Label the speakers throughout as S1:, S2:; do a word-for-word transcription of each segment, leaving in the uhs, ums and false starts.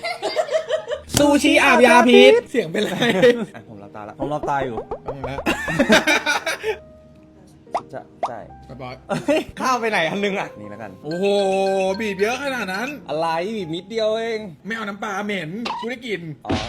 S1: ซูชิอาบยาพิษเสียงเป็นไร
S2: ผมรับตาละผมรับตาอยู่จะใช่
S1: บอย
S2: ข้าวไปไหนอันนึงอ่ะนี่แล้วกัน
S1: โอ้โหบีบเยอะขนาดนั้น
S2: อะไรบีบนิดเดียวเอง
S1: ไม่เอาน้ำปลาเหม็นกูได้กิน
S2: อ๋อ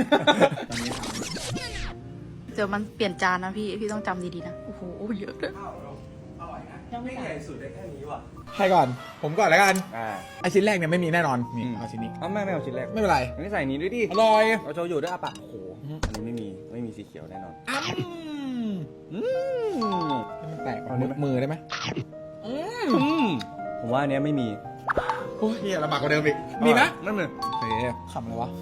S3: เดี๋ยวมันเปลี่ยนจานนะพี่ พี่ต้องจำดีๆนะ โอ้โห เยอะเลย
S2: ยังไม่ใหญ่สุดได้แค่นี้ว่ะ
S1: ใครก่อนผมก่อนแล้วกัน
S2: อ่า
S1: ไอชิ้นแรกเนี่ยไม่มีแน่นอนนี่เอาชิ้นนี้
S2: เอาไม่ไม่เอาชิ้นแรก
S1: ไม่เป็นไร
S2: อันนี้ใส่นี้ด้วยดิ
S1: อร่อย
S2: เอาโชยุด้วยอ่ะปะโอ้โหอันนี้ไม่มีไม่มีสีเขียวแน่นอน
S1: อ้ำ
S2: อืม
S1: ให้มันแตก
S2: เอาได้ไหม
S1: มือได้ไหมอืม
S2: อืมผมว่าอันเนี้ยไม่มี
S1: โอ้ยเฮียลำบากกว่าเดิมอีกมีไหม
S2: ไม่มี
S1: โอเคขำเลยวะ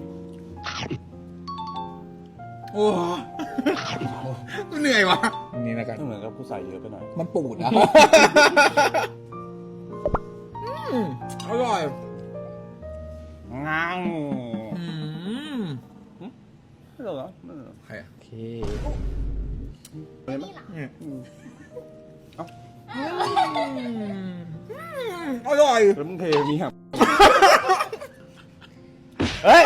S1: โอ้กูเหนื่อยวะนี่แล้วกัน
S2: ไม่เหมือนกับกูใส่เยอะไปหน่อย
S1: มันปูดนะอืมอร่อย
S2: ง้าง
S1: อืม
S2: ไม่เหรอไม่เหรอ
S1: โอเค
S2: เลยไหม
S1: เนี่ย
S2: เอ้า
S1: อร่อย
S2: แล้วมึงเทมีครับเฮ้ย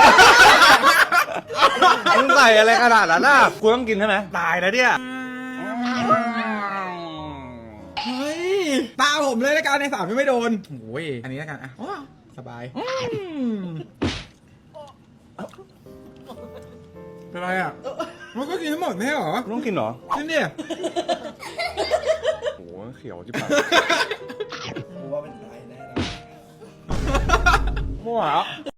S2: มึงใส่อะไรขนาดนั้นน่ะกูต้องกินใช่ไหมตายแล้วเนี่ย
S1: เฮ้ยตาผมเลยแล้วกันในสามยังไม่โดนโอ้ยอันนี้แล้วกันอ่ะว้าวสบายเป็นไรอ่ะมันก็กินทั้งหมดไม่ใช่เหรอ
S2: ต้องกินเหรอ
S1: กินดิ
S2: โอ้โหเขียวจิ๋วกูว่าเป็นไรแน่นอนมั่วเหรอ